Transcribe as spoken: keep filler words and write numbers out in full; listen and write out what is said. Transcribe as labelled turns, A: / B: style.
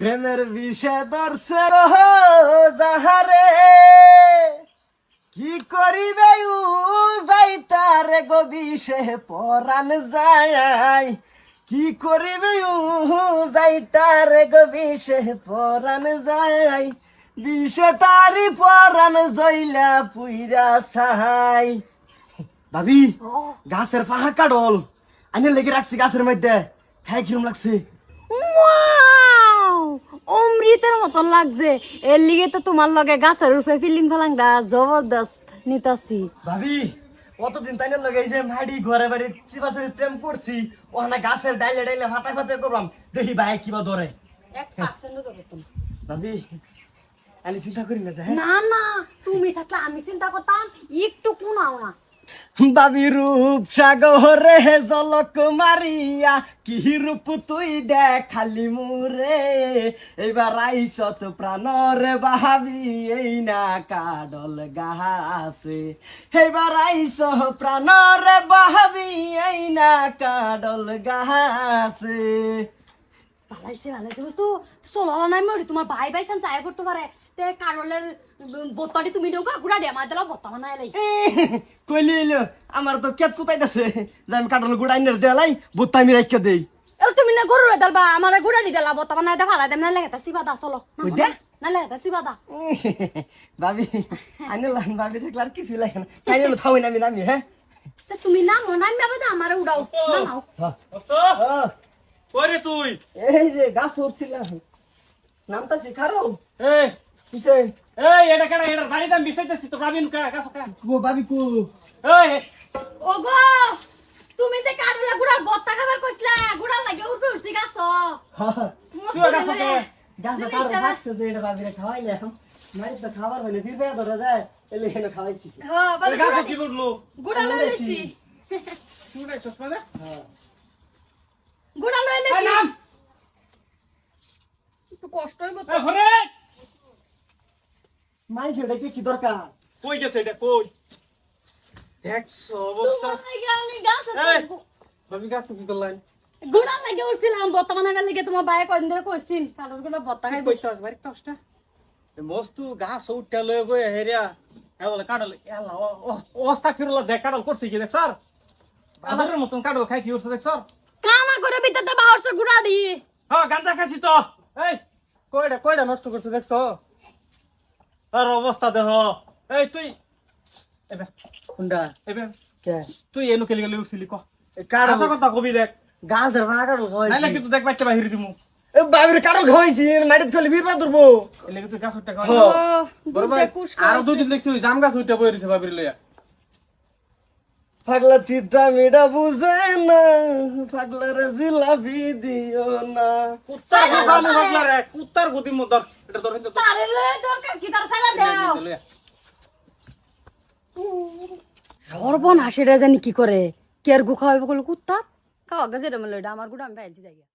A: প্রেমের বিষে ধরছে যাহারে কি করিবে উ যাইতারে গো বিষে পরাণ যায় কি করিবে উ যাইতারে গো বিষে পরাণ যায় বিষে তারি পরাণ জইলা পুইরা ছাই। ভাবি গাছের পাহা কাটল আইনে লেগে রাখছি গাছের মধ্যে খাই কিরম লাগছে?
B: ওয়াও অমৃতের মতন লাগছে। এর লিগে তো তোমার লগে গাছের উপরে ফিলিং ফেলাংটা জবরদস্ত নিতাছি।
A: ভাবি কতদিন তাই লাগাই যে মাড়ি ঘরে বাড়ি চিবাচি প্রেম করছি ওখানে গাছের ডাইলে ডাইলে ফাটাই ফাটাই করলাম দেখি ভাই কিবা ধরে।
B: এক পার্সেন্ট ধরে তুমি
A: ভাবি আমি চিন্তা করি না যে হ্যাঁ?
B: না না তুমি থাকলে আমি চিন্তা করতাম একটু কোনাও না।
A: বাবি রূপ সাগরে জলক মারিয়া কি রূপ তুই দেখালি মুরে এবার আইসত প্রাণরে বাহাবি এই না কাডল গাছে এবার আইস প্রাণরে বাহাবি এই না কাডল গাছে।
B: ভালাইছে ভালাইছে বুঝতো চলো নাই মরি তোমার ভাই ভাই সান চায় করতে পারে তে কারলের বোতলটি তুমি নৌকা গুড়া দিয়ে আমার দিলা বত্তা বানাই লাই
A: কইলি এলো আমার তো কেত কুতাইতাছে যে আমি কাডল গুড়াই নে দেলাই বুত্তা আমি রাখিয়া দেই।
B: এল তুমি না গরু দালবা আমার গুড়া দি দিলা বত্তা বানাই দে ভাড়া দেম না লাগে তা সিবাদা চলো
A: কইদে
B: না লাগে তা সিবাদা
A: ভাবি আইনে লান ভাবি দেখলে আর কিছু লাগে না খাইলে থাউই না আমি নামি হ্যাঁ
B: তা তুমি না মনাই যাবে না আমার উড়াও না নাও
C: ওরে তুই
A: এই যে গাছ উঠছিলাম নামটা শিখারো
C: এই
A: কিসে
C: এই এটা কেডা এটার বাড়ি দাম বিছাইতেছি তো গাবিন কা কাছ কা
A: কো ভাবি কো
C: এই
B: ওগো তুমি যে কারলে গুড়ার বত্তা খাবার কইছলা গুড়া লাগে উঠে উঠছি গাছ
C: তুই গাছ কে
A: গাছ কারো বাচ্চা যে এটা ভাবি রে খাওয়াইলে মারি তো খাবার হইলে ফিরবে ধরে যায় এলে এনে খাওয়াইছি।
B: হ্যাঁ বলে
C: গাছ কি করলো
B: গুড়া লইছি
C: তুই গাছ মানে
A: হ্যাঁ
B: গুড়া
C: এই
B: লইছি
C: নাম
B: একটু কষ্ট হইব তো
C: এই ঘরে
A: মাই ছেড়ে কি কি দরকার
C: কই গেছে এটা কই একশো অবস্থা
B: তোমার লাগি আমি গাছ
C: এই ভাবি গাছ কি করলেন
B: গুড়া লাগে উঠছিলাম বত্তা বানাবার লাগে তোমার ভাই কদিন ধরে কইছিন কারণ গুলো বত্তা খাইব
C: কইতা বাড়ি তাসটা মস্তু গাছ উঠতে লয়ে গই হেরিয়া এ বলে কাডল এলা অবস্থা ফিরলা দেখ কাডল করছে কি দেখ স্যার বাদরের মতন কাডল খাই কি উঠছে দেখ স্যার
B: কামা করে ভিতরতে বাহরছে গুড়া দি
C: হ্যাঁ গাঁজা খাইছি তো এই কয়টা কয়টা নষ্ট করছে দেখছো আর অবস্থা দেহ এই তুই এবে
A: কোনটা
C: এবে
A: কে
C: তুই এনু কেলি গেলি উঠছিলি ক
A: কারো
C: আসা কথা কবি দেখ
A: গাছের ভাগা কারো
C: নাইলে
A: খাওয়াইছি
C: কিন্তু দেখ বাচ্চা বাহির দিমু
A: এ ভাবির কারো খাওয়াইছি মাটিত খালি ফিরবা ধরবো
C: এলে তুই গাছ উঠতে
A: হ্যাঁ।
C: কয়
B: বরবাই
C: আর দুই দিন দেখছি ওই জাম গাছ উঠতে বই রইছে বাবির লইয়া
A: পাগলা চিত্রা মিডা বুঝে না পাগলার জিলাপি দিও না
C: কুত্তার কথা মু ভাবলা রে কুত্তার গতি মু ধর এটা ধর কিন্তু
B: তারে লয়ে দরকার কি তার সালা দাও সর্বনাশ এটা জানি কি করে কে আর গু খাওয়াইব কল কুত্তা খাওয়া গেছে রে মলে আমার গুড়া আমি ভাইছি যাই